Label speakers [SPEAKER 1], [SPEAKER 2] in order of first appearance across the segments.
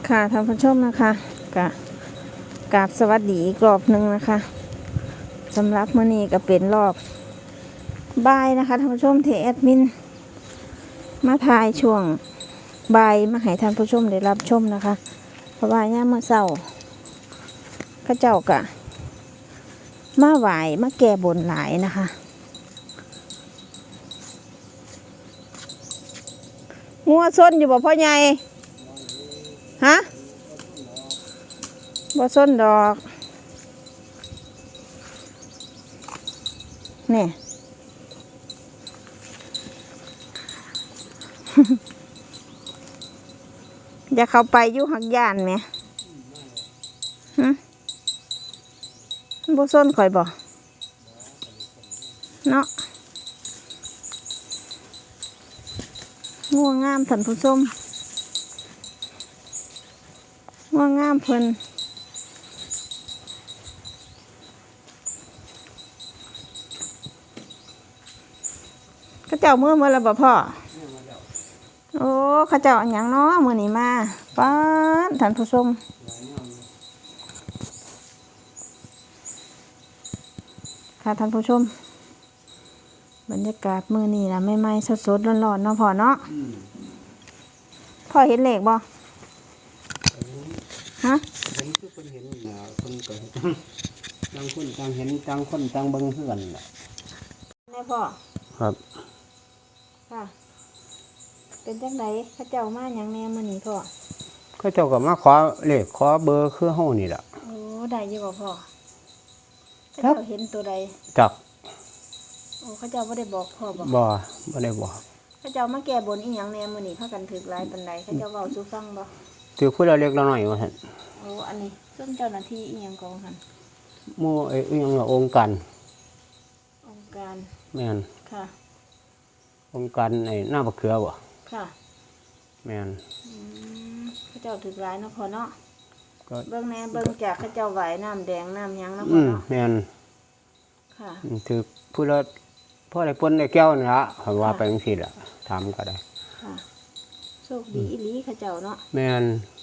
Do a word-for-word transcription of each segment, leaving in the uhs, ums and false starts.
[SPEAKER 1] ค่ะท่านผู้ชมนะคะกะกราบสวัสดีอีกรอบหนึ่งนะคะสำหรับมื้อนี้ก็เป็นรอบบ่ายนะคะท่านผู้ชมที่แอดมินมาถ่ายช่วงบ่ายมาให้ท่านผู้ชมได้รับชมนะคะเพราะว่าย่ามมื้อเช้าเขาเจ้ากะมาไหวมาแก้บนหลายนะคะงัวส้นอยู่บ่พ่อใหญ่ฮะบ่ส้นดอกนี่ อย่าเข้าไปอยู่หักย่านไหมฮะบ่ส้นข่อยบ่เนาะง่วงงามท่านผู้ชมง่วงงามเพิ่นข้าเจ้าเมื่อเมื่อไรบ่พ่อโอ้ข้าเจ้าอันหยังเนาะมื้อนี้มาป้าดท่านผู้ชมค่ะท่านผู้ชมบรรยากาศมื้อนี้นะใหม่ๆสดๆร้อนๆเนาะพ่อเนาะพ่อเห็นเลขบ่ฮะ
[SPEAKER 2] เห็นคือคนเห็นนะคนก็ต่างคนต่างเห็นต่างคนต่างเบิ่งเพื่อนแหละ
[SPEAKER 1] แม่พ่อ
[SPEAKER 2] ครับ
[SPEAKER 1] ค่ะเป็นจังไดข้าเจ้ามาหยังแน่มื้อนี้พ่อ
[SPEAKER 2] เขาเจ้าก็มาขอเลขขอเบอร์คือเฮานี่ล่ะ
[SPEAKER 1] โอ้ได้อยู่บ่พ่อข้าเจ้าเห็นตัวใด
[SPEAKER 2] จัก
[SPEAKER 1] โอ้ข้าเจ้าบ่ได้บอกพ่อบ่
[SPEAKER 2] บ่บ่ได้บอก
[SPEAKER 1] ข้าเจ้ามาแก้บนอีหยังแน่มื้อนี้พากันถึกหลายปานใดข้าเจ้าเว้าสู่ฟังบ่
[SPEAKER 2] ถือผู้ละเล็กละน้อยว่าซั่น
[SPEAKER 1] โอ้อันนี้ซึ่งเจ้าหน้าที่อีหยังกองหั่น
[SPEAKER 2] หมู่ไอ้อีหยังล่ะองค์การ
[SPEAKER 1] องค์การ
[SPEAKER 2] แม่น
[SPEAKER 1] ค่ะ
[SPEAKER 2] องค์การไอ้หน้าบักเขือบ่
[SPEAKER 1] ค่ะ
[SPEAKER 2] แม่น
[SPEAKER 1] อืมข้าเจ้าถึกหลายเนาะพ่อเนาะก็เบิ่งแน่เบิ่งจากข้าเจ้าไหวน้ำแดงน้ำหยังเนาะพ่อเนาะ
[SPEAKER 2] แม่น
[SPEAKER 1] ค่ะ
[SPEAKER 2] ถือผู้ละพ่อได้ปนได้แก้วนี่ล่ะเฮาว่าไปจังซี่ล่ะถามก็ได้
[SPEAKER 1] ค่ะโชคดีอีหลีข้าเจ้าเนาะ
[SPEAKER 2] แม่น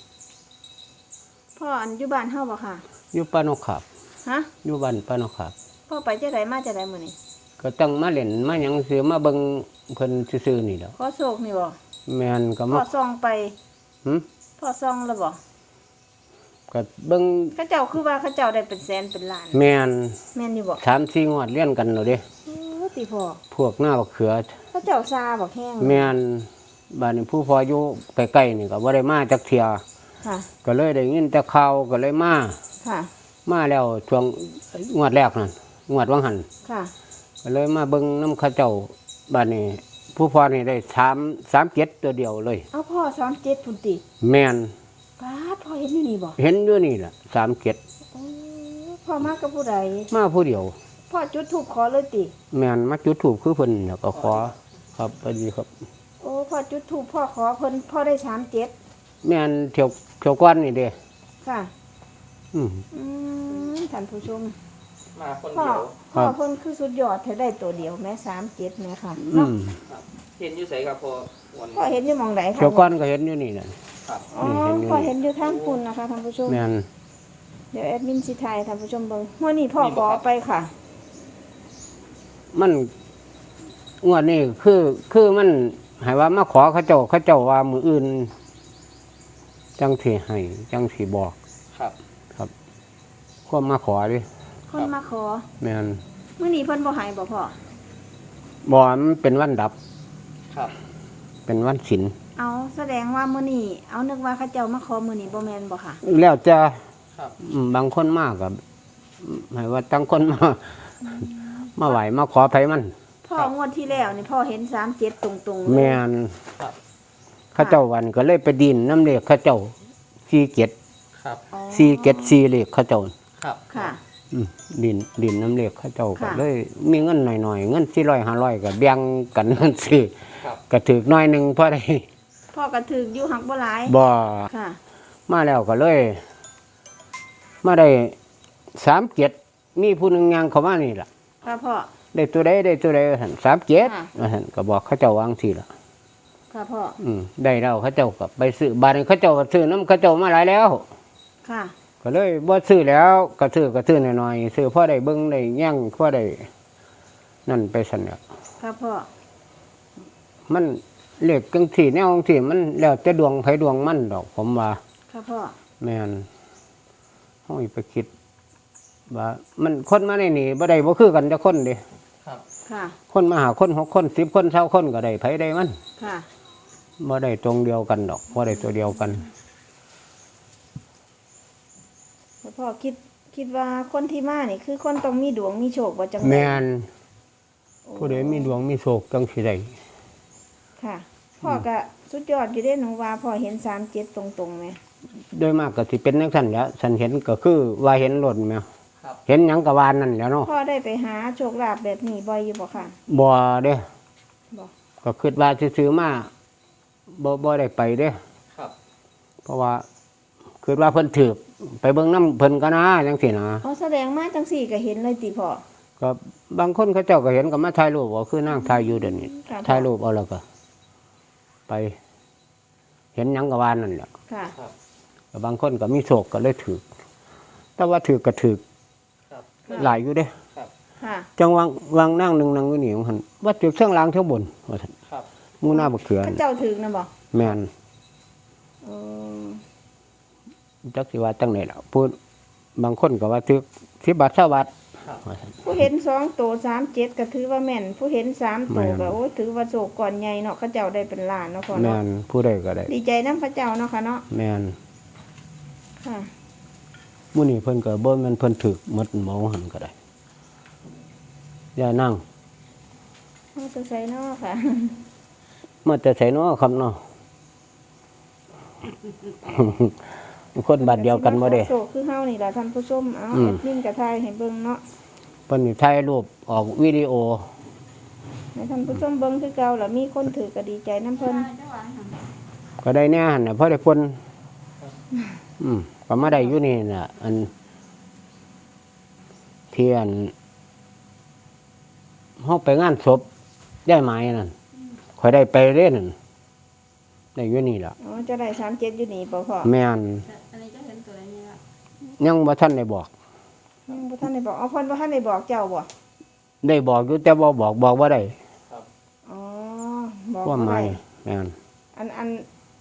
[SPEAKER 1] พ่ออันอยู่บ้านเฮาบ่ค่ะ
[SPEAKER 2] อยู่ปานกขับ
[SPEAKER 1] ฮะ
[SPEAKER 2] อยู่บ้านปานกขับ
[SPEAKER 1] พ่อไปจังไดมาจังไดมื้อนี้
[SPEAKER 2] ก็ต้องมาเล่นมาหยังซื้อมาเบิ่งเพิ่นซื่อๆนี่แหล้ว
[SPEAKER 1] ขอโชคนี่บ่
[SPEAKER 2] แม่นก็มา
[SPEAKER 1] พ่อส่องไป
[SPEAKER 2] หึ
[SPEAKER 1] พ่อส่องแล้วบ่
[SPEAKER 2] ก็เบิ่ง
[SPEAKER 1] เขาเจ้าคือว่าเขาเจ้าได้เป็นแสนเป็นล้าน
[SPEAKER 2] แม่น
[SPEAKER 1] แม่นอยู่บ่
[SPEAKER 2] สามสี่ งวดเลี้ยนกันแล้วเด้
[SPEAKER 1] โอ้ติพ่อ
[SPEAKER 2] พวกหน้าบักเขือ
[SPEAKER 1] เขาเจ้าซาบักแห้ง
[SPEAKER 2] แม่นบ้านนี้ผู้พออยู่ใกล้ๆนี่ก็บ่ได้มาจักเที่ย
[SPEAKER 1] ค่ะ
[SPEAKER 2] ก็เลยได้ยินแต่ข่าวก็เลยมา
[SPEAKER 1] ค่ะ
[SPEAKER 2] มาแล้วช่วงงวดแรกนั่นงวดวังหัน
[SPEAKER 1] ค่ะ
[SPEAKER 2] ก็เลยมาเบิ่งนำเขาเจ้าบ้านนี้ผู้พอนี่ได้สามสามเจ็ดตัวเดียวเลย
[SPEAKER 1] เอาพ่อสามเจ็ดพุ่นติ
[SPEAKER 2] แม่น
[SPEAKER 1] ป้าพ่อเห็นอยู่นี่บ่
[SPEAKER 2] เห็นอยู่นี่ล่ะสามเจ็ด
[SPEAKER 1] โอ้พ่อมากับผู้ใด
[SPEAKER 2] มาผู้เดียว
[SPEAKER 1] พ่อจุดธูปขอเลยติ
[SPEAKER 2] แม่นมาจุดธูปคือเพิ่นแล้วก็ขอครับพอดีครับ
[SPEAKER 1] โอ้พ่อจุดธูปพ่อขอเพิ่นพ่อได้สามเจ็ด
[SPEAKER 2] แม่นเที่ยวเที่ยวก้อนนี่เด้
[SPEAKER 1] ค่ะ
[SPEAKER 2] อืม
[SPEAKER 1] อืมท่านผู้ชม
[SPEAKER 3] มาคนเดียว
[SPEAKER 1] พ่อเพิ่นคือสุดยอดเธอได้ตัวเดียวแม่สามเจ็ดแม่ค่ะ
[SPEAKER 2] อืม
[SPEAKER 3] เห็นอยู่ไสครับพ่อ
[SPEAKER 1] พ่อเห็นอยู่หม่องใด
[SPEAKER 2] เที่ยวก้อนก็เห็นอยู่นี่น่ะ
[SPEAKER 3] ครับ
[SPEAKER 1] อ๋อพ่อเห็นอยู่ทางปุ่นนะคะท่านผู้ชม
[SPEAKER 2] แม่น
[SPEAKER 1] เดี๋ยวแอดมินสิถ่ายท่านผู้ชมเบิ่งมื้อนี้พ่อขอไปค่ะ
[SPEAKER 2] มันงวดนี้คือคือมันให้ว่ามาขอเขาเจ้าเขาเจ้าว่ามื้ออื่นจังสิให้จังสิบอก
[SPEAKER 3] ครับ
[SPEAKER 2] ครับความมาขอดิ
[SPEAKER 1] คนมาขอ
[SPEAKER 2] แม่น
[SPEAKER 1] มื้อนี้เพิ่นบ่ให้บ่พ่อ
[SPEAKER 2] บ่มันเป็นวันดับ
[SPEAKER 3] ครับ
[SPEAKER 2] เป็นวันศีล
[SPEAKER 1] เอาแสดงว่ามื้อนี้เอานึกว่าเขาเจ้ามาขอมื้อนี้บ่แม่นบ่ค่ะ
[SPEAKER 2] แล้วจะ
[SPEAKER 3] ครับ
[SPEAKER 2] บางคนมากก็ให้ว่าตั้งคนมามาไหวมาขอไผมัน
[SPEAKER 1] พ่องวดที่แล้วนี่พ่อเห็นสามเจ็ดตรงๆ
[SPEAKER 2] แม่นเขาเจ้าวันก็เลยไปดินน้ำเลขเขาเจ้าสี่เจ็ด
[SPEAKER 3] ครับ
[SPEAKER 2] สี่เจ็ดสี่เลขเขาเจ้า
[SPEAKER 3] ครับ
[SPEAKER 1] ค่ะ
[SPEAKER 2] ดินดินน้ำเลขเขาเจ้าก็เลยมีเงินหน่อยๆเงินสี่ร้อยห้าร้อยก็แบ่งกันเงินซื้อก็ถือน้อยหนึ่งพอได้
[SPEAKER 1] พ่อก็ถืออยู่หักบ่หลาย
[SPEAKER 2] บ่
[SPEAKER 1] ค่ะ
[SPEAKER 2] มาแล้วก็เลยมาได้สามเจ็ดมีผู้หนึ่งยังเขามานี่ล่ะ
[SPEAKER 1] ค่ะพ่อ
[SPEAKER 2] ได้ตัวใดได้ตัวใดหันสามเจ็ดหันก็บอกเขาเจ้าวางสิล่ะ
[SPEAKER 1] ค่ะพ่อ
[SPEAKER 2] อืมได้แล้วเขาเจ้าก็ไปซื้อบาดนี้เขาเจ้าก็ซื้อน้ำเขาเจ้ามาหลายแล้ว
[SPEAKER 1] ค่ะ
[SPEAKER 2] ก็เลยบ่ซื้อแล้วก็ซื้อก็ซื้อหน่อยๆซื้อพอได้เบิ่งได้แย่งพอได้นั่นไปสั่นแหล้ว
[SPEAKER 1] ค่ะพ่อ
[SPEAKER 2] มันเลขจังซี่แนวจังซี่มันแล้วแต่ดวงไผดวงมันดอกผมว่า
[SPEAKER 1] ค่ะพ่อ
[SPEAKER 2] แม่นเฮาอีไปคิดว่ามันคนมาในนี่บ่ได้บ่คือกันจักคนเด้
[SPEAKER 3] ครับ
[SPEAKER 1] ค่ะ
[SPEAKER 2] คนมาหาคนหกคนสิบคนเช้าคนก็ได้ไผได้มัน
[SPEAKER 1] ค่ะ
[SPEAKER 2] บ่ได้ตรงเดียวกันดอกบ่ได้ตัวเดียวกัน
[SPEAKER 1] แล้วพ่อคิดคิดว่าคนที่มานี่คือคนต้องมีดวงมีโชคบ่จัง
[SPEAKER 2] แม่น
[SPEAKER 1] โอ้
[SPEAKER 2] ผู้ใดมีดวงมีโชคจังสิได้
[SPEAKER 1] ค่ะ พ่อก็สุดยอดอยู่เด้หนูว่าพ่อเห็นสามเจ็ดตรงๆไหม
[SPEAKER 2] โดยมากก็สิเป็นจังซั่นแหล้วฉันเห็นก็คือว่าเห็นรถแม่
[SPEAKER 3] ครับ
[SPEAKER 2] เห็นหยังก็วานนั่นแหล้วเนาะ
[SPEAKER 1] พ่อได้ไปหาโชคลาภแบบนี้บ่อยอยู่บ่ค่ะ
[SPEAKER 2] บ่เด้
[SPEAKER 1] บ่
[SPEAKER 2] ก็คิดว่าซื้อๆมาบ่บ่ได้ไปเด้
[SPEAKER 3] ครับ
[SPEAKER 2] เพราะว่าคิดว่าเพิ่นถูกไปเบิ่งน้ำเพิ่นก็นะจังซี่นะ
[SPEAKER 1] อ๋อแสดงมาจังสี่ก็เห็นเลยติพ่อ
[SPEAKER 2] ก็บางคนเขาเจ้าก็เห็นก็มาถ่ายรูปว่าคือนางถ่ายอยู่เดี๋ยวนี้
[SPEAKER 1] ค่ะ
[SPEAKER 2] ถ่ายรูปเอาแล้วก็ ไป เห็นหยังก็วานนั่นแหละ
[SPEAKER 1] ค่ะ
[SPEAKER 3] ครับ
[SPEAKER 2] ก็บางคนก็มีโชคก็เลยถูกแต่ว่าถูกก็ถูก
[SPEAKER 3] ครับ
[SPEAKER 2] หลายอยู่เด้
[SPEAKER 3] ครับ
[SPEAKER 1] ค่ะ
[SPEAKER 2] จังวางวางนั่งหนึ่งนั่งอยู่นี่ของหันว่าถูกเส้งล่างเท่าบนว่าซั่น
[SPEAKER 3] ครับ
[SPEAKER 2] หมูหน้าบักเขือ
[SPEAKER 1] พระ
[SPEAKER 2] นี่
[SPEAKER 1] เจ้าถึงนะบ่
[SPEAKER 2] แม่น
[SPEAKER 1] เออ
[SPEAKER 2] จักสิว่าจังไดล่ะพูดบางคนก็ว่าถูกสิบบาทเท่าบาท
[SPEAKER 3] ครับ
[SPEAKER 2] ว่าซั่น
[SPEAKER 1] ผู้เห็นสองโตสามเจ็ดก็ถือว่าแม่น ผู้เห็นสามโต
[SPEAKER 2] แม่น
[SPEAKER 1] ก็โอ้ยถือว่าโชคก่อนใหญ่เนาะเขาเจ้าได้เป็นล้านเนาะพ่อ
[SPEAKER 2] แม่
[SPEAKER 1] เนาะ
[SPEAKER 2] นผู้ใดก็ได้
[SPEAKER 1] ดีใจนำพระเจ้าเนาะค่ะเนาะ
[SPEAKER 2] แม่น
[SPEAKER 1] ค่ะ
[SPEAKER 2] มื้อนี้เพิ่นก็บ่แม่นเพิ่นถูกหมดหมอหันก็ได้อย่านั่ง
[SPEAKER 1] เอาตัวใส่เนาะค่ะ
[SPEAKER 2] มาแต่ไสเนาะครับเนาะ คนบาดเดียวกันบ่เด้
[SPEAKER 1] โชคคือเฮานี่ล่ะท่านผู้ชมเอา
[SPEAKER 2] อืม
[SPEAKER 1] แอดมินก็ถ่ายให้เบิ่งเนาะ
[SPEAKER 2] เพิ่นนี่ถ่ายรูปออกวิดีโอ
[SPEAKER 1] ให้ท่านผู้ชมเบิ่งคือเก่าแล้วมีคนถือก็ดีใจนํเพิ่น
[SPEAKER 2] ก็ได้แน่หั่นน่ะเพราะได้คนอืมก็มาได้อยู่นี่น่ะ อันเทียนเฮาไปงานศพได้ไหมนั่นข่อยได้ไปเล่นนได้อยู่นี่ล่ะ
[SPEAKER 1] อ๋อจะได้สามเจ็ดอยู่นี่บ่พ่อ
[SPEAKER 2] แม่น
[SPEAKER 4] อันนี้จะเห็นตัวอะไรเนี่ยล่ะ
[SPEAKER 2] ยังบ่ทันได้บอก
[SPEAKER 1] อืมบ่ท่านได้บอกอ๋อเพิ่นบ่ท่านได้บอกเจ้าบ่
[SPEAKER 2] ได้บอกอยู่แต่บ่บอกบอกบ่ได้
[SPEAKER 1] อ๋อบอก
[SPEAKER 2] ว่า
[SPEAKER 1] บ่
[SPEAKER 2] ไม่
[SPEAKER 1] ได้
[SPEAKER 2] แม่น
[SPEAKER 1] อันอัน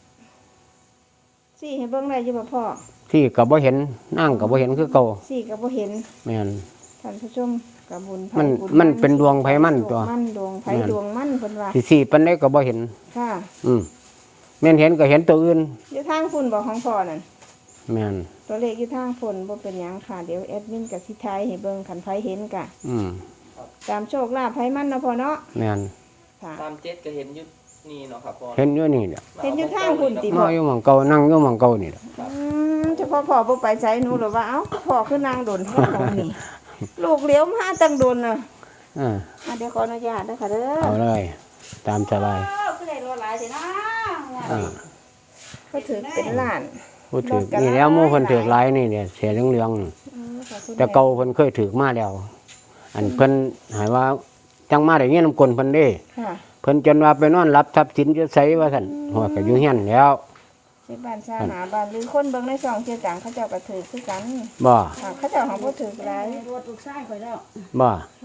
[SPEAKER 1] สี่ให้เบิ่งได้อยู่บ่พ่อ
[SPEAKER 2] ที่ก็บ่เห็นนั่งก็บ่เห็นคือเก่า
[SPEAKER 1] สี่ก็บ่เห็น
[SPEAKER 2] แม่น
[SPEAKER 1] ท่านผู้ชมกับบุญไผ
[SPEAKER 2] มัน
[SPEAKER 1] บุญ
[SPEAKER 2] มันเป็นดวงไผมันตัว
[SPEAKER 1] มันดวงไผ
[SPEAKER 2] แม่น
[SPEAKER 1] ดวงมันเพิ่นว่า
[SPEAKER 2] สิสี่ปานใดก็บ่เห็น
[SPEAKER 1] ค่ะ
[SPEAKER 2] อืมแม่นเห็นก็เห็นตัวอื่น
[SPEAKER 1] อยู่ทางฝุ่นบ่ของพ่อนั่น
[SPEAKER 2] แม่น
[SPEAKER 1] ตัวเลขอยู่ทางฝุ่นบ่เป็นหยังค่ะเดี๋ยวแอดมินกับสิทายให้เบิ่งคันไผเห็นกะ
[SPEAKER 2] อืม
[SPEAKER 1] ตามโชคลาภไผมันเนาะพ่อเนาะ
[SPEAKER 2] แม่น
[SPEAKER 1] ค่ะ
[SPEAKER 3] ตามเจ็ดก็เห็นอยุนี่เนาะครับพ่อ
[SPEAKER 2] เห็นอยู่นี่แหละ
[SPEAKER 1] เห็นอยู่ทางฝุ่นติ
[SPEAKER 2] มาอยู่หม่องเก่านั่งอยู่หม่องเก่านี่แหละ
[SPEAKER 1] อืมเฉพาะพ่อบ่ไปไสหนูหรือว่าเอ้าพ่อคือนางดนแท้ของนี่ ลูกเลี้ยวมาตั้งดนน่ะ
[SPEAKER 2] อ่า
[SPEAKER 1] อ่ะเดี๋ยวขออนุญาตนะคะเด้อ
[SPEAKER 2] เอาเลย ตามสบาย
[SPEAKER 4] ก็ได้รอหลายสินะ
[SPEAKER 2] อ่า
[SPEAKER 1] ก็ถือเป็นล้าน
[SPEAKER 2] พูดถึงนี่แล้วหมู่เพิ่นถือหลายนี่เนี่ยเสียเหลืองๆนี่
[SPEAKER 1] อืมขอบคุณ
[SPEAKER 2] แต่เก่าเพิ่นเคยถือมาแล้ว อันเพิ่นหายว่าจังมาได้เงี้ยนำกลเพิ่นเด้
[SPEAKER 1] ค่ะ
[SPEAKER 2] เพิ่นจนว่าไปนอนรับทรัพย์สินอยู่ไสว่าซั่นหัวก็อยู่เฮียนแล้ว
[SPEAKER 1] ที่บ้านชาหาบ้านหรือคนเบิ่งในช่องเที่ยวจังเขาเจ้าก็ถือคือกัน
[SPEAKER 2] บ่
[SPEAKER 1] ค่ะเขาเจ้าของบ่ถือหลาย
[SPEAKER 4] รวดลูกชายข่อยแล้ว
[SPEAKER 2] บ่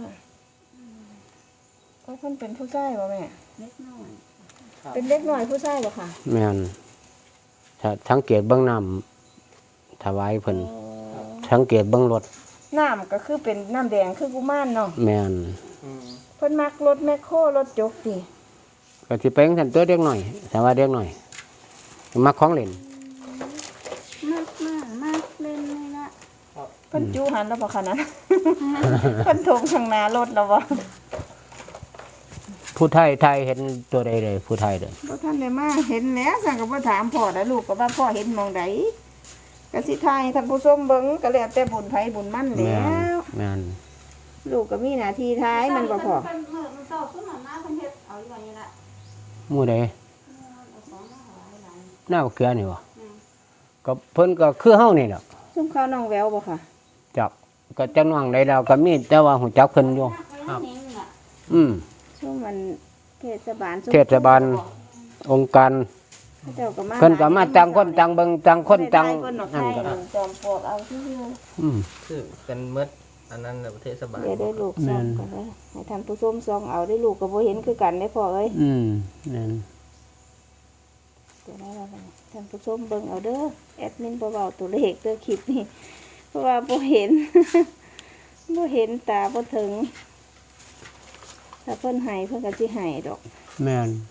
[SPEAKER 1] ก็เพิ่นเป็นผู้ชายบ่แม่
[SPEAKER 4] เล็กน้อย
[SPEAKER 1] เป็นเด็กน้อยผู้ชายบ่ค่ะ
[SPEAKER 2] แม่นถ้าสังเกตเบิ่งน้ำถวายเพิ่นสังเกตเบิ่งรถ
[SPEAKER 1] น้ำก็คือเป็นน้ำแดงคือกุมารเนาะ
[SPEAKER 2] แม่น
[SPEAKER 3] อืม
[SPEAKER 1] เพิ่นมักรถแมคโครรถจกสิ
[SPEAKER 2] ก็สิไปจังซั่นตัวเด็กหน่อยแต่ว่าเด็กหน่อยมักของเล่น
[SPEAKER 4] มากมากมากเล่นเลยละ
[SPEAKER 1] เพิ่นจูหันแล้วบ่คะนั้น เพิ่นทงข้างหน้ารถแล้วบ่
[SPEAKER 2] ผู้ไทยไทยเห็นตัวใดเลยผู้ไทยเด้อ
[SPEAKER 1] บ่ทันได้มาเห็นแล้วสั่งก็บ่ถามพ่อแล้วลูกก็ว่าพ่อเห็นหมองใดก็สิทายให้ท่านผู้ชมเบิ่งก็แล้วแต่บุญไผบุญมันแล้
[SPEAKER 2] แม่น
[SPEAKER 1] ว
[SPEAKER 2] แม่น
[SPEAKER 1] ลูกก็มีหน้าที่ทายมันบ่พอ
[SPEAKER 4] เพิ่นเมื่อมันเศร้าสุดหน่อยนะเพิ่นเฮ็ดเอาอยู่ว่าอย่างนี้ละ
[SPEAKER 2] หมู่ใด
[SPEAKER 4] เอาของมาหลายหลาย
[SPEAKER 2] หน้าบักเขือนี่บ่
[SPEAKER 4] อืม
[SPEAKER 2] ก็เพิ่นก็คือเฮานี่แหละ
[SPEAKER 1] ซุ่มข้าวน้องแววบ่ค่ะ
[SPEAKER 2] จับก็จังหวังใดแล้วก็มีแต่ว่าหูจักเพิ่นอยู่
[SPEAKER 4] ครับนี่ล่ะ
[SPEAKER 2] อืม
[SPEAKER 1] ซุ่มมันเทศบาลซุ่ม
[SPEAKER 2] เทศบาลองค์การ
[SPEAKER 1] เขาเจ้าก็มา
[SPEAKER 2] เพิ่นก็มาจังคนจังเบิ่งจังคนจัง
[SPEAKER 1] ได้คนหนอกไท
[SPEAKER 2] นั่น
[SPEAKER 1] ย
[SPEAKER 2] ก็
[SPEAKER 1] จอมปลวกเอาที่
[SPEAKER 2] อืม
[SPEAKER 3] คือเป็นเมดอันนั้นน่ะประเทศบาล
[SPEAKER 1] เดี๋ยวได้ลูก
[SPEAKER 2] แม่
[SPEAKER 1] ซ่อง
[SPEAKER 2] น
[SPEAKER 1] กันเลยให้ท่านผู้ชมซองเอาได้ลูกก็บ่เห็นคือกันได้พอเอ้ย
[SPEAKER 2] อืมนั่น
[SPEAKER 1] เดี๋ยวได้แล้วกันท่านผู้ชมเบิ่งเอาเด้อแอดมินบ่เว้าตัวเลขเด้อคลิปนี้เพราะว่าบ่เห็น บ่เห็นตาบ่ถึงถ้าเพิ่นให้เพิ่นก็สิให้ดอก
[SPEAKER 2] แม่น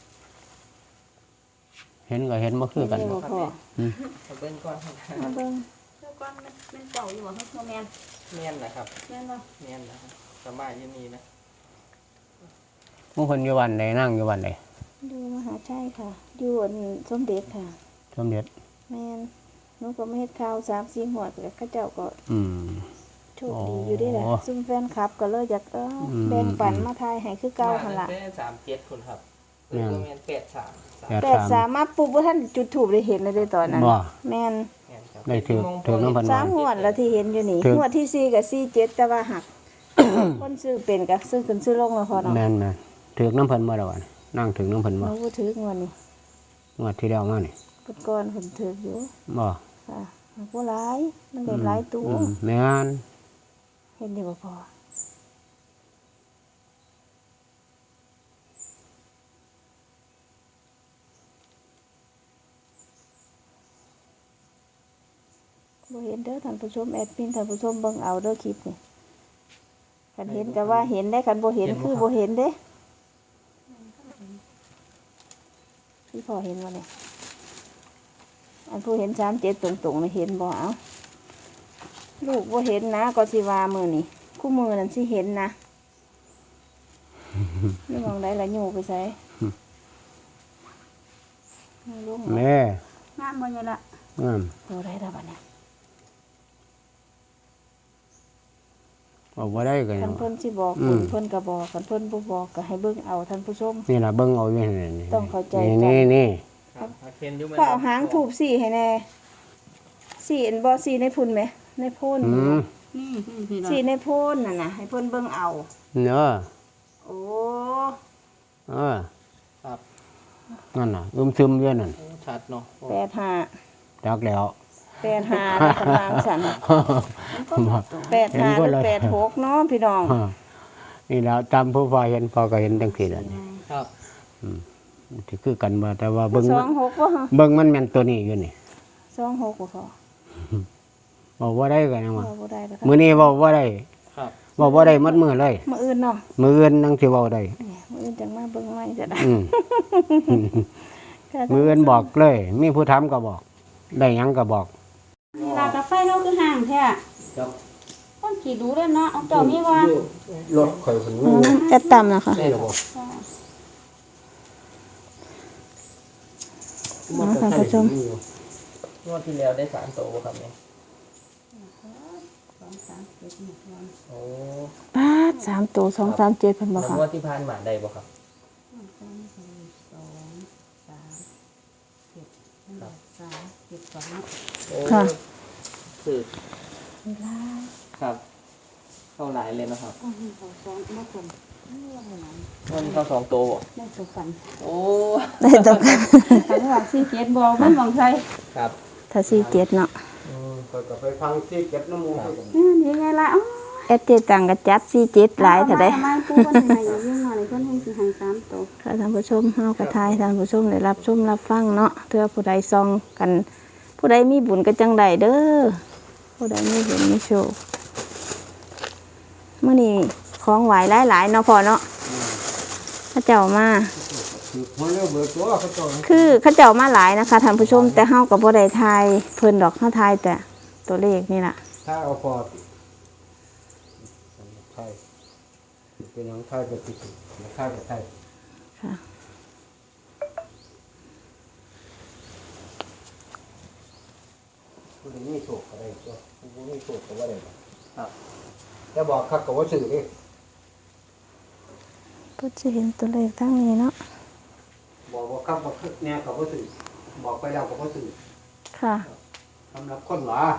[SPEAKER 2] เห็นก็เห็นบ่คือกัน
[SPEAKER 1] เห็บ่พอ
[SPEAKER 3] เอาเบิ้งก่อน
[SPEAKER 1] มาเบิ่ง
[SPEAKER 4] เจ้าก้อนมันเป็นเจ้าอยู่บ่ครับพ่อแม่น
[SPEAKER 3] เมียนนะครับ
[SPEAKER 4] แม่นบ่
[SPEAKER 3] เมียนนะครับสบายอยังมีนะ
[SPEAKER 2] ผู้คนอยู่วันใดนั่งอยู่วันใด
[SPEAKER 1] ดูมหาชัยค่ะอยู่อันสมเด็จค่ะ
[SPEAKER 2] สมเด็จ
[SPEAKER 1] แม่นหนูก็มาเฮ็ดข่าวสามสี่หัวดแล้วเขาเจ้าก็
[SPEAKER 2] อืม
[SPEAKER 1] โชคดีอยู่เด้แหละ
[SPEAKER 2] อ๋อ
[SPEAKER 1] ซุ่มแฟนคลับก็เลยอยากเอออ
[SPEAKER 2] ม
[SPEAKER 1] แบ่งปันมาทายให้คือเก่าหั่นล่ะ
[SPEAKER 3] แปดสามเจ็ดคนครับเอ
[SPEAKER 2] แม่
[SPEAKER 3] อน ก็เมียนแปดสามสาม
[SPEAKER 2] แปด
[SPEAKER 1] แปดสามมาปุ๊บว่าท่านจุดถูกได้เห็นเลยเด้ตอนนั้น
[SPEAKER 2] บ่
[SPEAKER 1] แม่น
[SPEAKER 3] เมียนครับ
[SPEAKER 2] ได้ถือถือน้ำพัน
[SPEAKER 1] สามหัวดแล้วที่เห็นอยู่นี่
[SPEAKER 2] ถึง
[SPEAKER 1] หัวดที่สี่กับสี่เจ็ดแต่ว่าหัก คนซื้อเป็นกับซื้อขึ้นซื้อลงแล้วพอเนาะ
[SPEAKER 2] แม่นแม่นถือน้ำเพันมาแล้ววันนั่งถือน้ำเพัน
[SPEAKER 1] ห
[SPEAKER 2] มา
[SPEAKER 1] นูบ่ถืองวดนี้
[SPEAKER 2] งวดที่แล้วมานี่
[SPEAKER 1] เพิ่นก่อนเพิ่นถืออยู่
[SPEAKER 2] บ่
[SPEAKER 1] ค่ะมันบ่หลายมันได้หลายตัว
[SPEAKER 2] อืมแม่น
[SPEAKER 1] เห็นดีบ่พอบ่เห็นเด้อท่านผู้ชมแอดมินท่านผู้ชมเบิ่งเอาเด้อคลิปนี่คันเห็นก็ว่าเห็นได้คันบ่เห็นคือบ่เห็นเด้พี่พอเห็นบ่เนี่ยอันผู้เห็นสามเจ็ดตรงๆนี่เห็นบ่เอาลูกบ่เห็นนะก็สิว่ามื้อนี่คู่มือนั่นสิเห็นนะ นี่มองได้ละอยู่ไปใส่ลูก
[SPEAKER 2] แม่
[SPEAKER 4] งามบ่เนี่ยล่ะ
[SPEAKER 2] งาม
[SPEAKER 1] ดูได้ละบัดเนี่ย
[SPEAKER 2] เอาบ่ได้ก็ยั
[SPEAKER 1] คั
[SPEAKER 2] ง
[SPEAKER 1] นเพิ่นสิบอก
[SPEAKER 2] อื
[SPEAKER 1] คุ
[SPEAKER 2] ม
[SPEAKER 1] ณเพิ่นก็บอกคันเพิ่นบ่บอกก็ให้เบิ่งเอาท่านผู้ชม
[SPEAKER 2] นี่ล่ะเบิ่งเอาอยู่นี่นี่
[SPEAKER 1] ต้องเข้าใจกัน
[SPEAKER 2] นี่นี่
[SPEAKER 3] ครับเอาเคนอยู่ไหม
[SPEAKER 1] ก็เอาหางถูบสี่ให้แน่สี่อันบ่สี่ในพุ่นไหมในโพ่น
[SPEAKER 2] อืม
[SPEAKER 4] นี่นี่พี่น้อง
[SPEAKER 1] สี่ในโพ่นน่ะนะให้เพิ่นเบิ่งเอา
[SPEAKER 2] เนาะ
[SPEAKER 1] โอ้
[SPEAKER 2] เออ
[SPEAKER 3] ครับ
[SPEAKER 2] นั่นน่ะอึมซึมอยู่นั่น
[SPEAKER 3] โอ้ชัดเนาะ
[SPEAKER 1] แปดห้า
[SPEAKER 2] จักแล้ว
[SPEAKER 1] แปดห้าแล้วกำลังสั่นแปดห้าหรือแปดหกเนาะพี่น้อง
[SPEAKER 2] นี่แล้วตามผู้พอเห็นพอก็เห็นจังซี่แหละนี่
[SPEAKER 3] ครับ
[SPEAKER 2] ที่คือกันบ่แต่ว่าเบิ่ง
[SPEAKER 1] ส
[SPEAKER 2] มั
[SPEAKER 1] อน งหกบ่ฮะ
[SPEAKER 2] เบิ่งมันแม่นตัวนี้อยู่นี่
[SPEAKER 1] สองหกบ่พอ
[SPEAKER 2] บอกว่าได้กันยังว่า
[SPEAKER 1] เอาบ่ได้แล้ว
[SPEAKER 2] มื้อนี้เว้าบ่ได้
[SPEAKER 3] ครับ
[SPEAKER 2] เว้าบ่ได้หมดมื้อเลย
[SPEAKER 1] มื้ออื่นเนาะ
[SPEAKER 2] มื้ออื่นนังสิเว้าได้
[SPEAKER 1] เนี่ยมื้ออื่นจังมาเบิ่งใหม่จะได้
[SPEAKER 2] อืม
[SPEAKER 1] ค่ะ
[SPEAKER 2] มื้ออื่นบอกเลย มีผู้ถามก็บอก ได้หยังก็บอก
[SPEAKER 4] นี่ล่ะกาแฟเราคือห่างแท้
[SPEAKER 2] ครับ
[SPEAKER 4] ต้องขี่ดูเลยเนาะเอาเจ้ามีว่าร
[SPEAKER 2] ถข่อยเพิ่น
[SPEAKER 1] อืมแอดต่ำนะคะ
[SPEAKER 2] ได้หรอบ่
[SPEAKER 1] อ๋อท่านผู้ชม
[SPEAKER 3] งวดที่แล้วได้สามโตครับเนี่ยโอ้
[SPEAKER 1] ปาดสามตัวสองสามเจ็ดเพิ่นบ่
[SPEAKER 3] แล้ว
[SPEAKER 1] ค่ะ
[SPEAKER 3] งวดที่ผ่านมาได้บ่ครับ โอ้
[SPEAKER 1] ค่ะ
[SPEAKER 3] สืบครับ เข้าหลายเลยนะครับวันนี้เข้าสองโตบ่
[SPEAKER 4] ได้ตัวกัน
[SPEAKER 3] โอ้
[SPEAKER 1] ได้ตกกัน
[SPEAKER 4] คันว่าสี่เจ็ดบอกมันมองใส่
[SPEAKER 3] ครับ
[SPEAKER 1] ถ้าสี่เจ็ดเนาะ
[SPEAKER 2] อืมข่อยก็ไปฟังที่เก็บน้ำมูก
[SPEAKER 4] นี่นี่ไงล่ะอ๋อ
[SPEAKER 1] แอดเจตังก็จัดสี่เจ็ดหลายเท่าใด
[SPEAKER 4] เอมาปูคนไหนอยู่ยิ่งมาเลยคนให้สิให้สามตัว
[SPEAKER 1] ค่ะท่านผู้ชมเฮากระทายท่านผู้ชมได้รับชมรับฟังเนาะเพื่อผู้ใดซองกัน ผู้ใดมีบุญก็จังใดเด้อผู้ใดมีบุญมีโชคมื้อนี้ของไหวหลายๆเนาะพ่อเนาะเขาเจ้ามา
[SPEAKER 2] มันเร็วเบิดตัวเขาเจ้า
[SPEAKER 1] คือเขาเจ้ามาหลายนะคะท่านผู้ชมแต่เฮาก็บ่ได้ทายเพิ่นดอกเฮาทายแต่ตัวเลขนี่ล่ะ
[SPEAKER 2] ถ้าเอาพอไทยเป็นหยังไทยก็ติดไทยก็ไทย
[SPEAKER 1] ค่ะ
[SPEAKER 2] ผู้ใดมีโชคก็ได้ตัวผู้บ่มีโชคก็บ่ได้ครับแต่บอกคักก็บ่ซื้อเด้
[SPEAKER 1] ก็จะเห็นตัวเลขทั้งนี้เนาะ
[SPEAKER 2] บอกว่าคักบ่คึกแน่ก็บ่ซื้อบอกไปแล้วก็บ่ซื้อ
[SPEAKER 1] ค่ะ
[SPEAKER 2] สำหรับคนหลา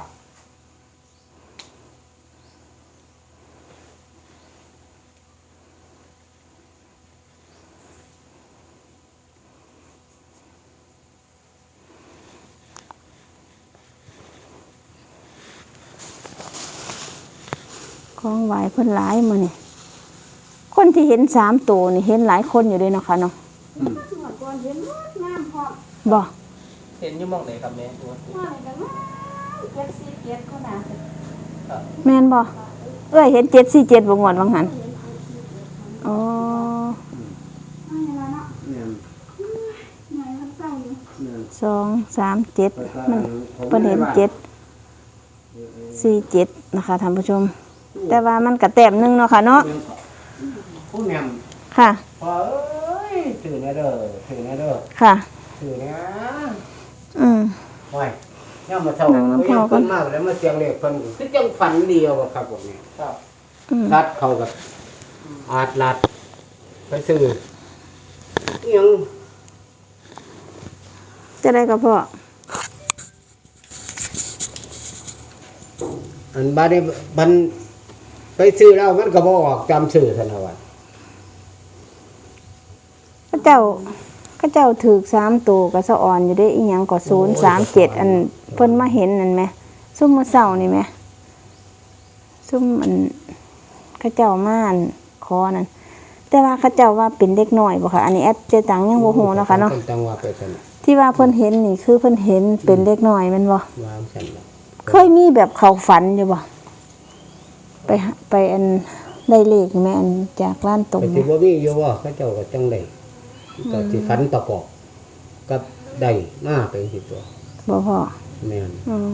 [SPEAKER 1] ของไหวเพิ่นหลายมื้อนี่คนที่เห็นสามตัวนี่เห็นหลายคนอยู่เลยเนาะค่ะเนาะ
[SPEAKER 4] เมื่อก่อนเห็นงดงามพร้อม
[SPEAKER 1] บ่
[SPEAKER 3] เห็นอยู่หมองไหนครับแม่งวดนี้
[SPEAKER 4] ว่าอะไรกันมาเจ็ดสี่เจ็ดก็น่าจะ
[SPEAKER 3] ครับ
[SPEAKER 1] แม่นบ่เอ้ยเห็นเจ็ดสี่เจ็ดบ่งวดว่างั้นอ๋อ
[SPEAKER 4] ไม่ละเนาะ
[SPEAKER 2] เนี่ย
[SPEAKER 4] หน่อยมันเศร้าอยู่
[SPEAKER 2] เนี่ย
[SPEAKER 1] สองสามเจ็ดมันเพิ่นเห็นเจ็ดสี่เจ็ดนะคะท่านผู้ชม แต่ว่ามันก็แต้มหนึงเนาะค่ะเนาะ
[SPEAKER 2] ผู้แม่
[SPEAKER 1] ค่ะ
[SPEAKER 2] พอเอ้ยถือแน่เด้อถือแน่เด้อ
[SPEAKER 1] ค่ะ
[SPEAKER 2] ถือแน่
[SPEAKER 1] อืม
[SPEAKER 2] โอ้ยย่ามาเท่า
[SPEAKER 1] นั่งน้ำพอ
[SPEAKER 2] ยัง
[SPEAKER 1] ก่อน
[SPEAKER 2] เพิ่นมากแล้วมาเสียงเลขเพิ่นคือจังฝันเดียวอะครับผมนี่
[SPEAKER 3] ครับ
[SPEAKER 1] อืม
[SPEAKER 2] รัดเขากับอาดลัดไปซื้ออิหยัง
[SPEAKER 1] จะได้ก็พอ
[SPEAKER 2] อันบาดนี้บันไปซื้อแล้วมันก็บ่ออกจำซื้อซั่นน่ะว่า
[SPEAKER 1] ก็เจ้าก็เจ้าถือสามตัวก็สะอ่อนอยู่ได้อีหยังก็ศูนย์สามเจ็ดอันเพิ่นมาเห็นนั่นไหมซุ่มมื้อเช้านี่ไหมซุ่มอันเขาเจ้ามาอันขอนั่นแต่ว่าเขาเจ้าว่าเป็นเด็กน้อยบ่ค่ะอันนี้แอดเจตังยังบ่ฮู้เนาะค่ะเนาะ
[SPEAKER 2] พิ่จังว่าไปซั่นน่ะ
[SPEAKER 1] ที่ว่าเพิ่นเห็นนี่คือเพิ่นเห็นเป็นเด็กน้อยแม่นบ่
[SPEAKER 2] วางซั่นน่ะ
[SPEAKER 1] เคยมีแบบเขาฝันอยู่บ่ไปหาไปอันได้เลขไหมอันจากร้านตรง
[SPEAKER 2] ไปสิบ่มีอยู่ว่าเขาเจ้าก็จังได๋ก็สิฝันประกอบกับได้มาเป็นสิตัว
[SPEAKER 1] บ่พ่อ
[SPEAKER 2] แม่น
[SPEAKER 1] อ๋อ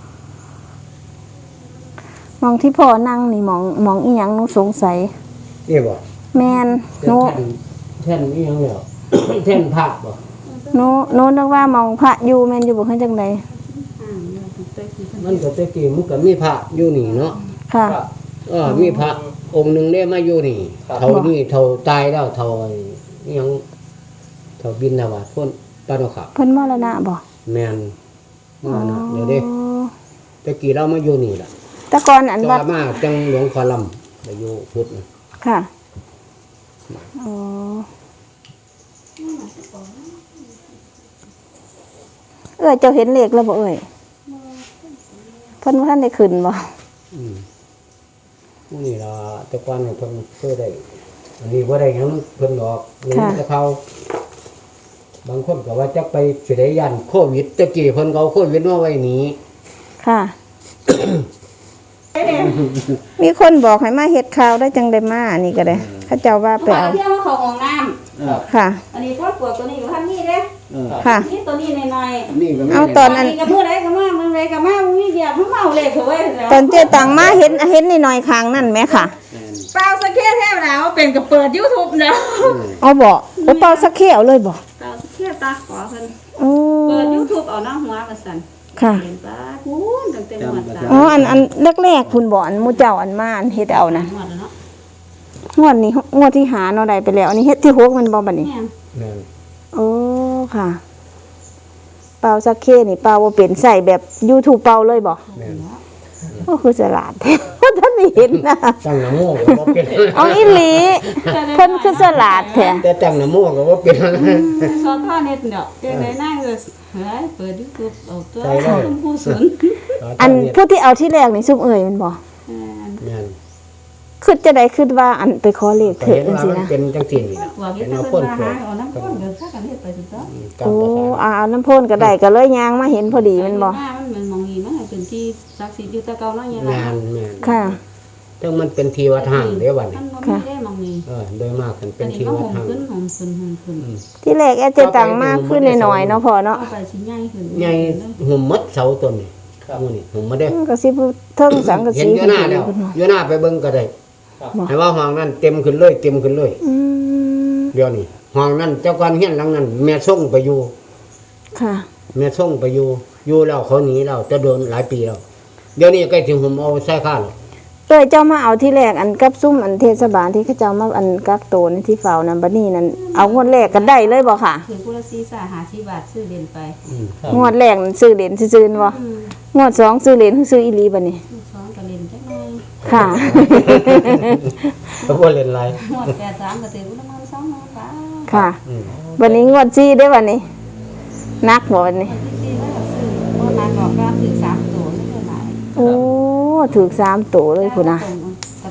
[SPEAKER 1] มองที่พ่อนั่งนี่มองมองอีหยังหนูสงสัย
[SPEAKER 2] นี่บ่
[SPEAKER 1] แม่นห
[SPEAKER 2] แท่
[SPEAKER 1] นู
[SPEAKER 2] นแท่นอีหยังแล้ว แท่นพระบ่
[SPEAKER 1] หนูหนูนึกว่ามองพระอยู่แม่นอยู่บ่เฮ็ดจังได
[SPEAKER 4] อ่าเราถึงเตยกี่คน
[SPEAKER 2] มันก็แตะกี้มันก็มีพระอยู่นี่เนาะ
[SPEAKER 1] ค่ะ
[SPEAKER 3] ครับ
[SPEAKER 2] เออมีพระองค์หนึ่งได้มาอยู่นี่
[SPEAKER 3] ครับ
[SPEAKER 2] เท่านี้เท่าตายแล้วเท่าไอ้อิหยังเท่าบินทบาทพ้นปานขับ
[SPEAKER 1] เพิ่นมรณะบ่
[SPEAKER 2] แมนมานะเดี๋ยวเด้
[SPEAKER 1] อ๋อ
[SPEAKER 2] ตะกี้เรามาอยู่นี่ล่ะ
[SPEAKER 1] แต่ก่อนอัน
[SPEAKER 2] จ
[SPEAKER 1] วั
[SPEAKER 2] อ
[SPEAKER 1] ด
[SPEAKER 2] มาจังหลวงคอลำไปอยู่พุทธนะ
[SPEAKER 1] ค่ะอ๋อเอ้ยเจ้าเห็นเลขแล้วบ่เอ้ยเพิ่นบ่ทันได้ขึ้นบ่
[SPEAKER 2] อืมมื้อนี่ล่ะแต่ก่อนเนี่ยเพิ่นเคยได้อันนี้บ่ได้หยังเพิ่นดอกเงินแต่เขาบางคนก็ว่าจักไปสิได้ยันโควิดตะกี้เพิ่นก็เอาโควิดมาไว้นี้
[SPEAKER 1] ค่ะ มีคนบอกให้มาเฮ็ดข่าวได้จังได้มาอันนี้ก็ได้เขาเจ้าว่าไป
[SPEAKER 4] ว่า
[SPEAKER 1] เอา
[SPEAKER 4] เที่ยวมาเขาของน้
[SPEAKER 3] ครับ
[SPEAKER 1] ค่ะ
[SPEAKER 4] ำอันนี้พ่อปวดตัวนี้อยู่ท่านนี่เด้
[SPEAKER 2] เออ
[SPEAKER 1] ค่ะ
[SPEAKER 4] นี่ตัวนี้หน่อย
[SPEAKER 2] นี่ก็มี
[SPEAKER 1] เอาตอนนั้น
[SPEAKER 4] กับมือไรกับมามือไรกับมามือเดียวเมาเลยเถอะเว้ยแล้ว
[SPEAKER 1] ตอนเจตังมาเห็นเห็นนิดหน่อยข้างนั่นไหมค่ะ
[SPEAKER 2] แม่น
[SPEAKER 4] เปล่าสักแค่แท้แล้วเป็นกับเปิดยูทูบแล้ว
[SPEAKER 1] เอาบอกโอ้เป่าสักเขียวเลยบอก
[SPEAKER 4] เปล่าสักแค่ตาขอเพิ่น
[SPEAKER 1] โอ้
[SPEAKER 4] เปิดยูทูบเอาหน้าหัวมาสั่น
[SPEAKER 1] ค่ะ
[SPEAKER 4] เห็นปะพูนตั้งแต่หมดตา
[SPEAKER 1] อ๋ออันอันแรกๆคุณบอกอันหมูเจ้าอันมาอันเฮ็ดเอานะ
[SPEAKER 4] หมดแล้วเนาะ
[SPEAKER 1] งวดนี้งวดที่หาเนาะได้ไปแล้ว อันนี้เฮ็ดที่หกมันบ่บัดนี้
[SPEAKER 4] แม่น
[SPEAKER 2] แม่น
[SPEAKER 1] โอ้ค่ะ เป่าสักเคนี่เป่าบ่เป็นใส่แบบ YouTube เป่าเลยบ่
[SPEAKER 2] แม่น
[SPEAKER 1] ก็คือฉลาด ว่าท่านได้เห็นนะ
[SPEAKER 2] ตั้งน้ำโมก็บ่เป็น
[SPEAKER 1] เอาอีหลีเพิ่นคือฉลาดแท้
[SPEAKER 2] แต่ตั้งน้ำโมก็บ่เป็น
[SPEAKER 4] ชอบท่อเน็ตเนาะเจ้าไหนนั่งเลยเฮ้ยเปิดยูทูบเอาตัว
[SPEAKER 2] ใช่เลย
[SPEAKER 4] ชมพูสน
[SPEAKER 1] อันผู้ที่เอาที่แรกนี่ซุมเอ่ยมันบ่
[SPEAKER 4] แม่น
[SPEAKER 2] แม่น
[SPEAKER 1] คิดจะได้คิดว่าอันไปขอเลข
[SPEAKER 2] ก็
[SPEAKER 1] เถิด
[SPEAKER 2] เห็น
[SPEAKER 1] จัง
[SPEAKER 2] ว่า
[SPEAKER 1] ซี่
[SPEAKER 2] มัน
[SPEAKER 1] นะ
[SPEAKER 2] เป็นจังซี่นี่
[SPEAKER 4] กว่า
[SPEAKER 2] เป็
[SPEAKER 4] เฮ็
[SPEAKER 2] น
[SPEAKER 4] ด
[SPEAKER 2] เอา
[SPEAKER 4] เพิ่
[SPEAKER 2] คน
[SPEAKER 4] น
[SPEAKER 2] เกิ
[SPEAKER 4] มา
[SPEAKER 2] ด
[SPEAKER 4] หาเอาน้ำพ่นเกิดถ้ากันเฮ็ดไปสิเจ้า
[SPEAKER 2] ตาม
[SPEAKER 1] โอ้
[SPEAKER 2] ภาษา
[SPEAKER 1] อาเอาน้ำพ่นก็ได้ก็เลยยางมาเห็นพอดีแมันบ่
[SPEAKER 4] มันมันมองอีมันเป็นที่ศักดิ์สิทธิ์อยู่แต่เก่าเนาะเนี่ย
[SPEAKER 2] แม่นแม่น
[SPEAKER 1] ค่ะ
[SPEAKER 2] ถึงมันเป็นทีวัดห่างเด้อบัดนี้
[SPEAKER 4] มันบ่มีได้มองนี่
[SPEAKER 2] เออโดยมากมันเป็
[SPEAKER 4] อั
[SPEAKER 2] น
[SPEAKER 4] นนี้
[SPEAKER 2] ที
[SPEAKER 4] ก็
[SPEAKER 2] วั
[SPEAKER 4] ห
[SPEAKER 2] ด
[SPEAKER 4] ง
[SPEAKER 2] ห่าง
[SPEAKER 4] ขึ้นหงขึ้นหงขึ้น
[SPEAKER 2] อืม
[SPEAKER 1] ที่แรกแอดเจตังมากขึ้นหน่อยๆเนาะพอเนาะ
[SPEAKER 4] เอาไปสิใหญ่ขึ้น
[SPEAKER 2] ใหญ่หุ่มมัดเสาต้นนี่
[SPEAKER 3] ครับ
[SPEAKER 2] หมู่นี่หุ่มมาเด้อ
[SPEAKER 1] ก็สิพูดเทิงสังกะ
[SPEAKER 2] เห็น
[SPEAKER 1] สี
[SPEAKER 2] อยู่หน้าแล้วอยู่หน้าไปเบิ่งก็ได้
[SPEAKER 3] ครับ
[SPEAKER 2] ให้ว่าห้องนั้นเต็มขึ้นเลยเต็มขึ้นเลย
[SPEAKER 1] อืม
[SPEAKER 2] เดี๋ยวนี้ห้องนั้นเจ้าก่อนเฮียนหลังนั้น แม่ส่งไปอยู่
[SPEAKER 1] ค่ะ
[SPEAKER 2] แม่ส่งไปอยู่อยู่แล้วเขาหนีแล้วจะโดนหลายปีแล้วเดี๋ยวนี้ใกล้ถึงผมเอาใส่ข้าแล้ว
[SPEAKER 1] เอ้ยเจ้ามาเอาที่แรกอันกับซุ่มอันเทศบาลที่เขาเจ้ามาอันกักโตนที่เฝ้านั่นบัดนี้นั่นเอางวดแรกก็ได้เลยบ่ค่ะ
[SPEAKER 4] ถือกุละซีซ่าหาสิบบาทซื้อเด่นไป
[SPEAKER 2] อืม
[SPEAKER 3] ครับ
[SPEAKER 1] งวดแรกนั่นซื้อเหรียญซื่อๆบ่
[SPEAKER 4] อืม
[SPEAKER 1] งวดสองซื้อเหรียญคือซื้ออีหลีบัดนี้
[SPEAKER 4] สองก็เล่นจักหน่อย
[SPEAKER 1] ค่ะ
[SPEAKER 2] ก็บ่เล่นไร
[SPEAKER 4] หมดแปดสามก็ถือกุละมันสองหมื่นบาท
[SPEAKER 1] ค่ะ
[SPEAKER 2] อืม
[SPEAKER 1] วันนี้งวดสี่ได้อวันนี้ นักบ่วันนี้
[SPEAKER 4] ที่สี่แล้วก็ซื้อบ่นานดอกก็ถือสามตัวไม่เท่าไหร่
[SPEAKER 1] โอ้ถูกสามตัวเลยพุ่นน่ะ
[SPEAKER 4] ต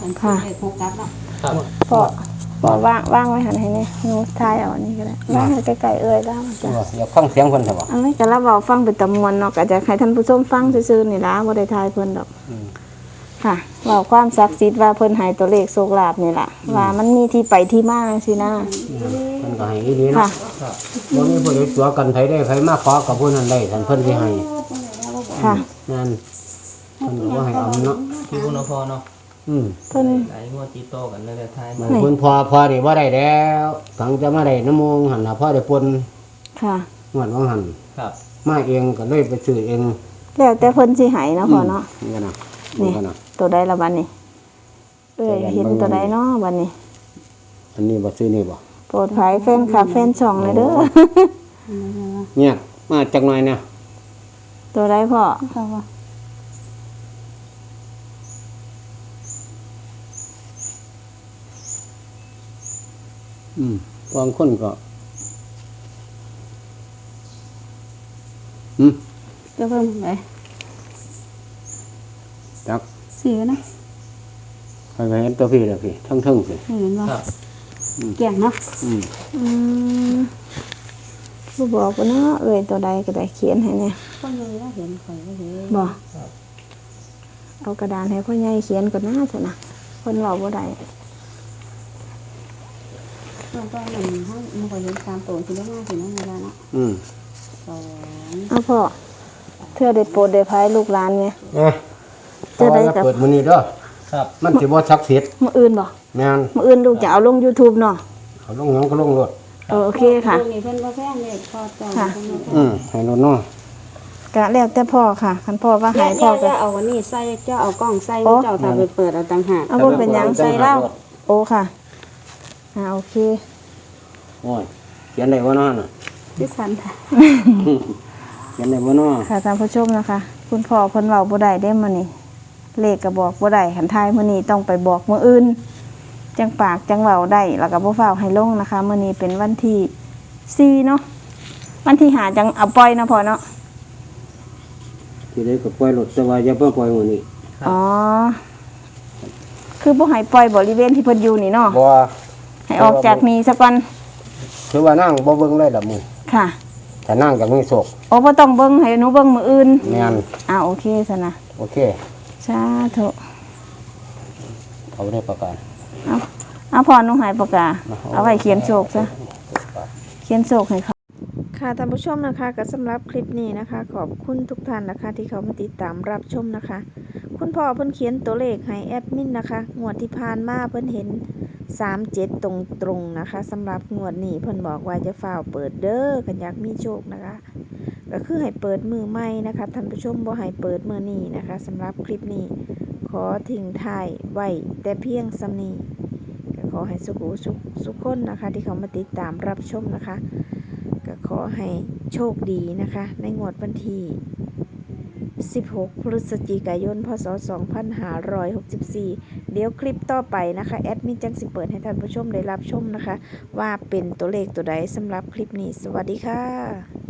[SPEAKER 4] เป็นชื่อเลขหกกลับเนาะ
[SPEAKER 3] ครับ
[SPEAKER 1] พ่อพ่อว่างว่างไว้หันให้นี่หนูทายเอาอันนี้ก็ได้ว่างให้ใกล้ๆเอ้ยแล้วมัน
[SPEAKER 2] ตั
[SPEAKER 1] จ้ะ
[SPEAKER 2] วอยากฟังเสียงเพิ่นซั่นบ่
[SPEAKER 1] อันนี้ก็รับเอาฟังเป็นตำมวนเนาะก็จะให้ท่านผู้ชมฟังซื่อๆนี่ล่ะบ่ได้ทายเพิ่นดอก
[SPEAKER 2] อืม
[SPEAKER 1] ค่ะเว้าความศักดิ์สิทธิ์ว่าเพิ่นให้ตัวเลขโชคลาภนี่ล่ะว่ามันมีที่ไปที่มาจังซี่นะ
[SPEAKER 2] เพิ่นก็ให้อีหลี
[SPEAKER 1] ค่ะ
[SPEAKER 2] เนาะบ่มีผู้ใดตัวกันไผได้ไผมาขอกับผู้นั้นได้ท่านเพิ่นสิให้
[SPEAKER 1] ค่ะ
[SPEAKER 2] นั่นเพิ่นก็บ่ให้เอาเนาะ
[SPEAKER 3] คิวเนาะพอเนาะ
[SPEAKER 2] อืม
[SPEAKER 1] เพิ่น
[SPEAKER 3] หลายงวดติดต่อกันเลยแต่ท้าย
[SPEAKER 2] มั
[SPEAKER 3] มาน
[SPEAKER 2] เพิ่นพอพอนี่บ่ได้แล้วฝังจะมาได้น้ำมงหั่นน่ะพอได้ปน
[SPEAKER 1] ค่ะ
[SPEAKER 2] งวดว่าหั่น
[SPEAKER 3] ครับ
[SPEAKER 2] มาเองก็เลยไปซื้อเอง
[SPEAKER 1] แล้วแต่เพิ่นสิให้เนาะพ่อเนาะ
[SPEAKER 2] นี่กันนะ
[SPEAKER 1] นี่
[SPEAKER 2] นี่กันนะ
[SPEAKER 1] ตัวใดละบัดนี้เอ้ยเห็นตัวใดเนาะบัดนี้
[SPEAKER 2] อันนี้บ่ซื้อนี่บ่
[SPEAKER 1] โปรดภัยแฟนคลับแฟนช่องเลยเด้อ
[SPEAKER 2] เนี่ยมาจักหน่อยเนี่ย
[SPEAKER 1] ตัวใดพ่อ
[SPEAKER 2] อืมบางคนก็อืม
[SPEAKER 4] จะเพิ่มไหน
[SPEAKER 2] จัก
[SPEAKER 4] สี่นะ
[SPEAKER 2] ใครก็เห็นตัวพี่แล้วพี่ทั้งทั้งๆสิ
[SPEAKER 4] เห็นบ่
[SPEAKER 3] ครับ
[SPEAKER 4] แก่งเนาะ
[SPEAKER 2] อืม
[SPEAKER 1] อืมผู้บอกว่าเนาะเอ้ยตัวใดก็ได้เขียนให้เนี่ย
[SPEAKER 4] คนเลยว่าเห็นข่อยก็เห็น
[SPEAKER 1] บอกเอากระดานให้พ่อใหญ่เขียนก่อนหน้าเถอะนะคนเราบ่ได้
[SPEAKER 4] แล้วก็หนึ่งห้ามันก็เห็นสามตัวที่ได้ห้าสิเนาะเวลาเนาะ
[SPEAKER 2] อืม
[SPEAKER 4] สอง
[SPEAKER 1] เอาพ่อเธอได้โปรดได้พายลูกหลานไง
[SPEAKER 2] เอ้ย
[SPEAKER 1] เจอได้กับ
[SPEAKER 2] เปิดมื้อนี้เด้อ
[SPEAKER 3] ครับ
[SPEAKER 2] มันสิบ่ศักดิ์สิทธิ์
[SPEAKER 1] มื้ออื่นบ่
[SPEAKER 2] แม่น
[SPEAKER 1] มื้ออื่นลูกจะเอาลง YouTube เนาะ
[SPEAKER 2] เขาลงหยังก็ลงรถ
[SPEAKER 1] เออโอเคค่ะ
[SPEAKER 4] นี่เพิ่นบ่แพงเลยพอจอง
[SPEAKER 1] ค่ะ
[SPEAKER 4] เพิ่นบ่แพง
[SPEAKER 2] อืมให้รถเนาะ
[SPEAKER 1] กะแล้วแต่พ่อค่ะคันพ่อว่า
[SPEAKER 4] อย่า
[SPEAKER 1] ให้
[SPEAKER 4] อ
[SPEAKER 1] พ่อย่ก็
[SPEAKER 4] าเอาอันนี้ใส่เจ้าเอากล้องใส่
[SPEAKER 1] โอ้
[SPEAKER 4] เจ้าถ้าไปเปิดเอาต่างหาก
[SPEAKER 1] เอาบ่เป็นหยังใส่เหล้าโอ้ค่ะอ่าโอเค
[SPEAKER 2] โอ้ยเขียนได้บ่เนาะน่ะ
[SPEAKER 4] ที่สันค่ะ
[SPEAKER 2] เขียนได้บ่เนาะ
[SPEAKER 1] ค่ะท่านผู้ชมนะคะ คุณพ่อเพิ่นเว้าบ่ได้เด้มื้อนี้เลขก็บอกบ่ได้คันทายมื้อนี้ต้องไปบอกมื้ออื่น จังปากจังเว้าได้แล้วก็บ่ฟ้าวให้ลงนะคะมื้อนี้เป็นวันที่สี่เนาะวันที่ห้าจังเอาปล่อยเนาะพ่อเนาะ
[SPEAKER 2] ที่ได้ก็ปล่อยรถแต่ว่าอย่าเพิ่งปล่อยมื้อนี้
[SPEAKER 1] อ๋อคือบ่ให้ปล่อยบริเวณที่เพิ่นอยู่นี่เนาะ
[SPEAKER 2] บ่
[SPEAKER 1] ให้ออกจากนี้ซะก่อน
[SPEAKER 2] ถือว่านั่งบ่เบิ่งเลยล่ะมื้อ
[SPEAKER 1] ค่ะ
[SPEAKER 2] ถ้านั่งจากมีโศก
[SPEAKER 1] โอ้บ่ต้องเบิ่งให้หนูเบิ่งมื้ออื่น
[SPEAKER 2] แม่น
[SPEAKER 1] อ่าโอเคซะนะ
[SPEAKER 2] โอเค
[SPEAKER 1] สาธุ
[SPEAKER 2] เขาได้ประกาศ
[SPEAKER 1] เอาเอาพ่อหนูให้ปากกาเอาไว้เขียนโชคซะ เขียนโศกให้เขาค่ะท่านผู้ชมนะคะก็สำหรับคลิปนี้นะคะ ขอบคุณทุกท่านนะคะ ที่เขามาติดตามรับชมนะคะ คุณพ่อเพิ่นเขียนตัวเลขให้แอดมินนะคะงวดที่ผ่านมาเพิ่นเห็นสามเจ็ดตรงๆนะคะสำหรับงวดนี้เพิ่นบอกว่าจะฝ่าวเปิดเด้อกันอยากมีโชคนะคะ ก็คือให้เปิดมือใหม่นะคะท่านผู้ชมบ่ให้เปิดมือนี้นะคะสำหรับคลิปนี้ขอทิ้งท้ายไว้แต่เพียงสำนี้ก็ขอให้สุขุสุขสุขคนนะคะ ที่เขามาติดตามรับชมนะคะ ก็ขอให้โชคดีนะคะ ในงวดวันที่สิบหกพฤศจิกายนพศสองพันห้าร้อยหกสิบสี่เดี๋ยวคลิปต่อไปนะคะแอดมินจังสิเปิดให้ท่านผู้ชมได้รับชมนะคะ ว่าเป็นตัวเลขตัวใดสำหรับคลิปนี้สวัสดีค่ะ